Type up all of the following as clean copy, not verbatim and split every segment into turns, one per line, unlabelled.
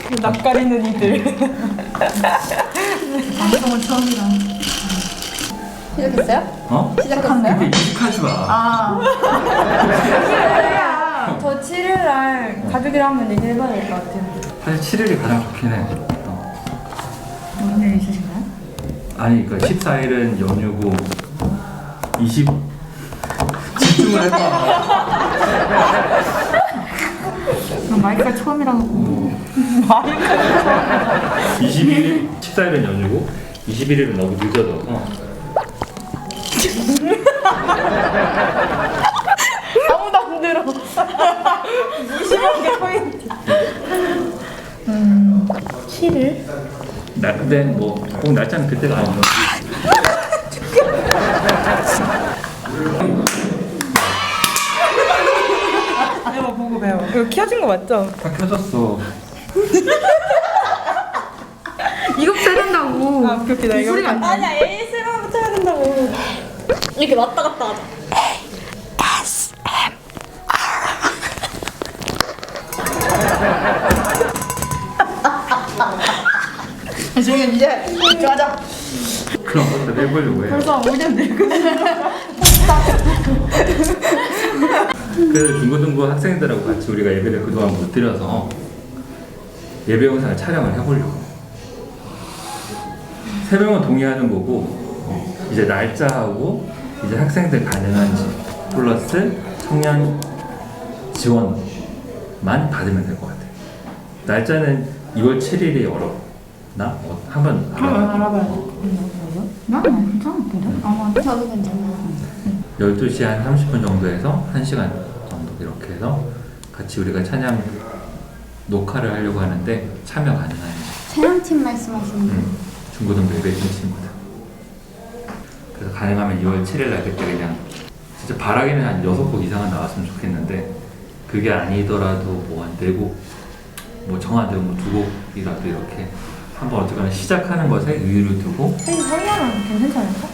낯가리는 이들.
방송은 처음이라.
시작했어요?
어?
시작했어요?
근데 익숙하지 마.
아.
저 7일날 가족이랑 한번 얘기해봐야 될 것 같아요.
사실 7일이 가장 좋긴 해.
무슨 일 있으신가요?
아니 그러니까 14일은 연휴고 20 집중을 해봐.
그럼 마이크가 처음이라고.
21일 14일은 연휴고 21일은 너무 늦어져서
아무도 안 들어. 무심한 게 포인트.
7일?
근데 뭐 꼭 날짜는 그때가 아니고
이거 보고 배워. 이거 켜진 거 맞죠?
다 켜졌어.
이것부터 해야 된다고.
아, 오케이. 나 이거.
소리가 안 나.
아니야, ASMR부터 해야 된다고.
이렇게 왔다 갔다 하자.
지금 이제 집중하자.
그럼 어떻게 해보려고 해.
벌써 5년 늙은.
그래서 중고등부 학생들하고 같이 우리가 예배를 그동안 못 드려서 예배 영상을 촬영을 해보려고. 3명은 동의하는 거고 이제 날짜하고 이제 학생들 가능한지 플러스 청년 지원만 받으면 될 것 같아요. 날짜는 2월 7일이 어렵나? 한번 알아봐요.
난 괜찮은데? 아마
저도 괜찮아요.
12시 한 30분 정도에서 1시간 정도 이렇게 해서 같이 우리가 찬양 녹화를 하려고 하는데 참여 가능한지.
촬영팀 말씀하시는 거.
중고등부 예배팀 친구들. 그래서 가능하면 2월 7일 날 그때 그냥 진짜 바라기는 한 6곡 이상은 나왔으면 좋겠는데 그게 아니더라도 뭐 한 4곡 뭐 정한대로 뭐 2곡이라도 이렇게 한번 어쨌거나 시작하는 것에 의의를 두고
혜지 설명은 괜찮지 않을까?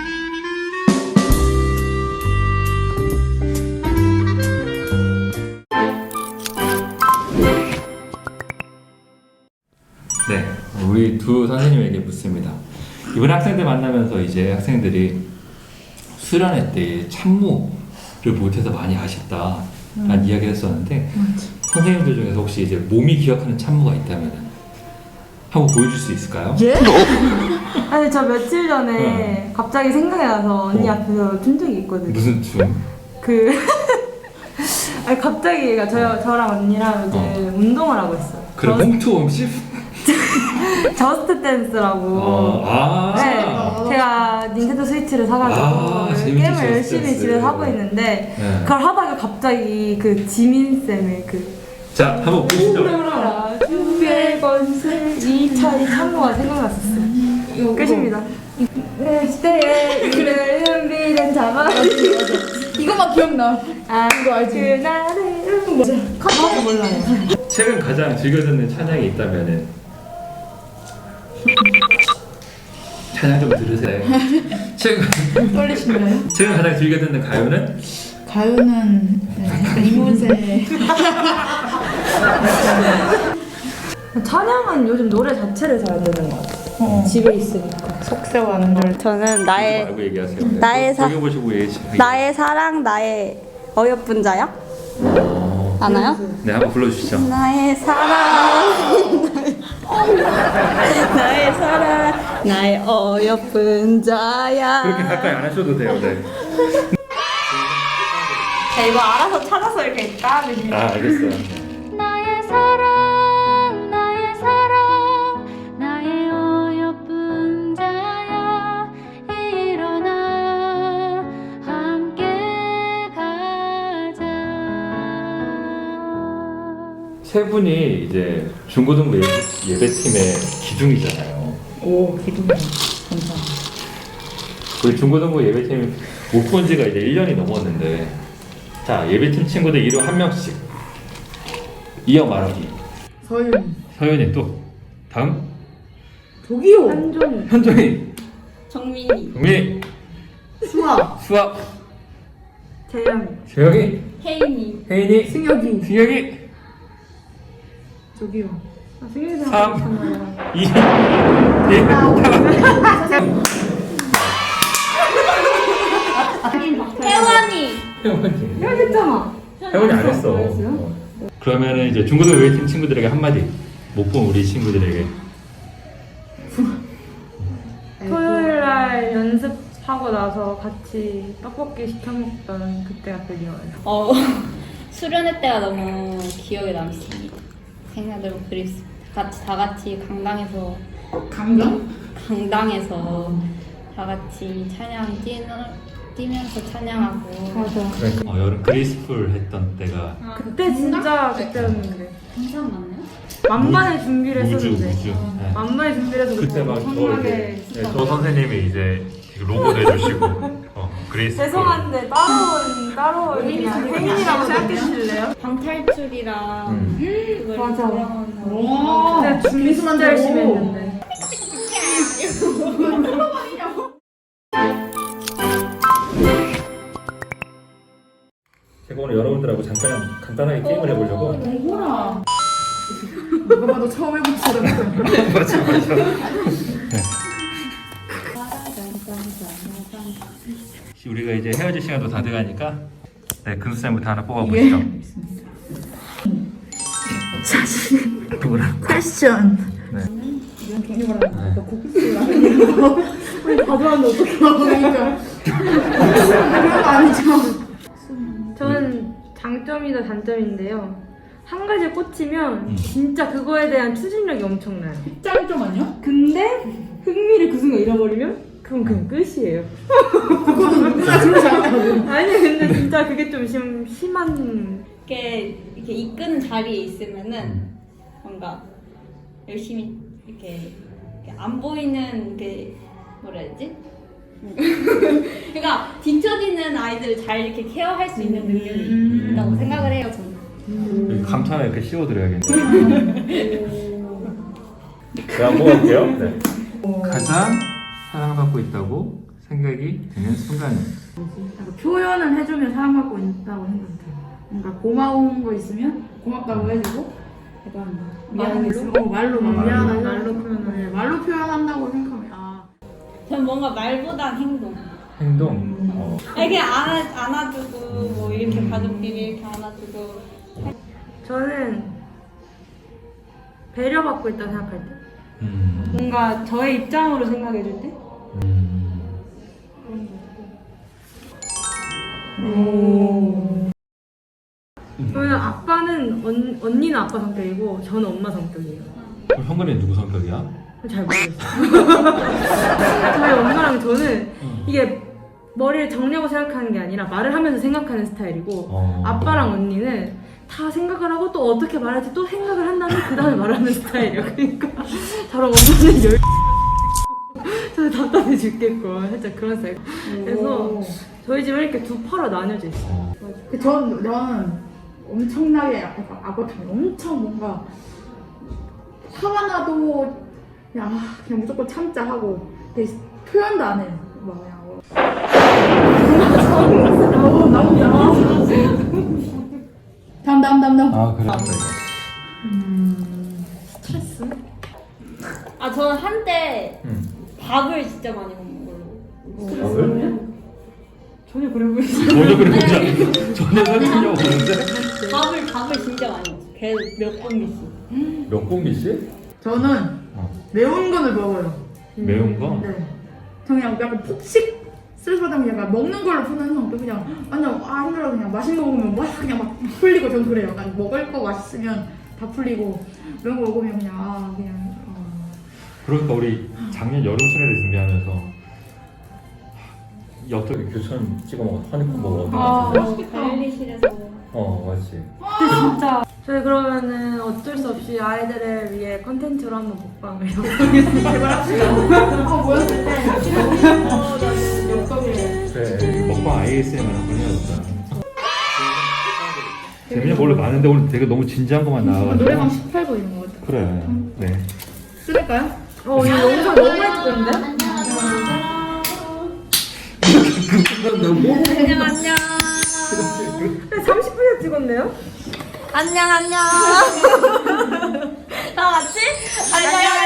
네, 우리 두 선생님에게 묻습니다. 이번 학생들 만나면서 이제 학생들이 수련회 때 참모를 못해서 많이 아쉽다라는 이야기를 했었는데 선생님들 중에서 혹시 이제 몸이 기억하는 참모가 있다면 한번 보여줄 수 있을까요?
예? 아니 저 며칠 전에 갑자기 생각이 나서 언니 앞에서 춘 적이 있거든요.
무슨 춤?
그 아니 갑자기 저랑 언니랑 이제 운동을 하고 있어요.
그럼 홈투 홈십?
저스트 댄스라고. 네, 제가 닌텐도 스위치를 사가지고
재밌지,
게임을
저스트
열심히
댄스.
집에서 하고 있는데
네.
그걸 하다가 갑자기 그 지민 쌤의
자, 한번 보시죠.
주의 권세 이 참모가 생각났었어요. 끝입니다. 내 시대에 이를 준비된 자만
이것만 기억나.
이거 알지? 그날을 뭐죠? 가사도 몰라요.
최근 가장 즐겨 듣는 찬양이 있다면은 찬양 좀 들으세요.
떨리시나요?
최근 가장 즐겨 듣는 가요는?
가요는 약간 이문세.
찬양은 요즘 노래 자체를 잘 안 듣는 것 같아요. 집에 있으니까 속세와는 줄.
저는
말고 얘기하세요. 네.
나의 사-
여기 보시고 얘기하세요.
나의 사랑 나의 어여쁜 자야? 아나요?
네, 한번 불러주시죠.
나의 사랑 나의 사랑 나의 어여쁜 자야.
그렇게 가까이 안 하셔도 돼요. 네.
자, 이거 알아서 찾아서 이렇게 따면
알겠어요.
나의 사랑 나의 사랑 나의 어여쁜 자야 일어나 함께 가자.
세 분이 이제 중고등부 예배팀의 기둥이잖아요.
오, 기둥이. 감사합니다.
우리 중고등부 예배팀 못 본 지가 이제 1년이 넘었는데 자, 예배팀 친구들 이름 한 명씩 이어 말하기.
서윤.
서윤이 또 다음
저기요.
한종이.
현종이,
정민이
동민이,
수아.
수아,
재영이.
재영이,
혜인이
혜인이,
승혁이.
승혁이.
저기요.
생일상
3, 2, 1.
혜원이.
해야겠잖아.
혜원이 안 했어. 그러면은 이제 중고등 웨이팅 친구들에게 한마디. 못 본 우리 친구들에게.
토요일 날 연습하고 나서 같이 떡볶이 시켜 먹던 그때가 그리워요.
수련회 때가 너무 기억에 남습니다. 생각대로 그립습니다. 다 같이 강당에서 강당에서 다 같이 찬양 뛰면서 찬양하고.
그러니까 여름 그리스풀 했던 때가
그때 진짜 그때였는데
항상 맞나요?
만반의 준비를
우주.
했었는데
네.
만반의 준비를 해서
그때 막
엄청나게
저 선생님이 이제 로고 내주시고 그리스풀.
죄송한데 따로 그냥 행인이라고 생각해 주실래요?
방탈출이랑 그걸
맞아.
오.
그때 준비 진짜 열심히 했는데
제가 오늘 여러분들하고 잠깐 간단하게 게임을 해보려고.
뭐라. 누가 봐도 처음 해본 사람.
맞아. 우리가 이제 헤어질 시간도 다 돼가니까 네, 금수쌤부터 하나 뽑아보시죠.
패션.
네.
이런 종류가 나니까 고급스러운 아니고 우리 다 좋아하는데 어떻게 나오니까 그런 거 아니죠.
저는 장점이다 단점인데요 한 가지에 꽂히면 진짜 그거에 대한 추진력이 엄청나요
짱점 아니야?
근데 흥미를 그 순간 잃어버리면 그건 그냥 끝이에요
그거는 누구나 그러지 않거든.
아니 근데 진짜 그게 좀 심한
이렇게 이끄는 자리에 있으면은 뭔가 열심히 이렇게 안 보이는 게 뭐라 해야지? 그러니까 뒤처지는 아이들을 잘 이렇게 케어할 수 있는 능력이 있다고 생각을 해요 저는.
감탄을 이렇게 씌워드려야겠네요. 제가 한번 뽑아볼게요. 네. 가장 사랑받고 있다고 생각이 드는 순간.
표현을 해주면 사랑받고 있다고 생각해요. 그러니까 고마운 거 있으면 고맙다고 해주고, 약간 미안한 거 있으면 말로 미안하다
말로 표현을
네, 말로 표현한다고 생각하면
전 뭔가 말보단 행동.
행동.
이렇게 안아주고 뭐 이렇게 가족끼리 이렇게 안아주고.
저는 배려받고 있다고 생각할 때 뭔가 저의 입장으로 생각해 줄 때 저는 아빠는 언니는 아빠 성격이고 저는 엄마 성격이에요
그럼 형근이 누구 성격이야?
잘 모르겠어요 저희 엄마랑 저는 이게 머리를 정리하고 생각하는 게 아니라 말을 하면서 생각하는 스타일이고 아빠랑 언니는 다 생각을 하고 또 어떻게 말할지 또 생각을 한 다음에 그 다음에 말을 하는 스타일이에요. 그러니까 저랑 엄마는 저는 답답해 죽겠고 살짝 그런 스타일. 그래서 저희 집은 이렇게 두 파로 나뉘어져 있어요.
저는 엄청나게 약간 아버님 엄청 뭔가 화가 나도 그냥 무조건 참자 하고 표현도 안 해요. 막 그냥 나온다. 다음.
아 그래.
스트레스?
저는 한때 밥을 진짜 많이 먹는 걸로.
밥을?
전혀 그래 보이지
전혀 그런 거지 않아. 전혀 상관이 없는데.
밥을 진짜 많이 먹어요. 계속 몇 공기씩.
몇 공기씩?
저는 매운 거를 먹어요.
매운 거?
네. 저 그냥 약간 폭식 스트레스 받으면 약간 먹는 걸로 푸는 성격. 그냥 완전 힘들어 그냥 맛있는 거 먹으면 막 그냥 막 풀리고 전 그래요. 약간 먹을 거 맛있으면 다 풀리고 매운 거 먹으면 그냥
그러니까 우리 작년 여름 수련회 준비하면서 어떻게 교촌 찍어 먹어? 허니콤 먹어?
관리실에서.
맞지.
진짜 저희 그러면은 어쩔 수 없이 아이들을 위해 컨텐츠로 한번 먹방을 해보겠습니다.
뭐였을 때
그래 먹방 ASMR 한번 해야겠다. 재미는 원래 많은데 오늘 되게 너무 진지한 것만 나와가지고.
노래방 18번 이런 거 같아.
그래. 네.
쓸까요?
이 영상 너무 많이 찍었는데?
안녕.
30분이나 찍었네요?
안녕. 다 같이. 안녕.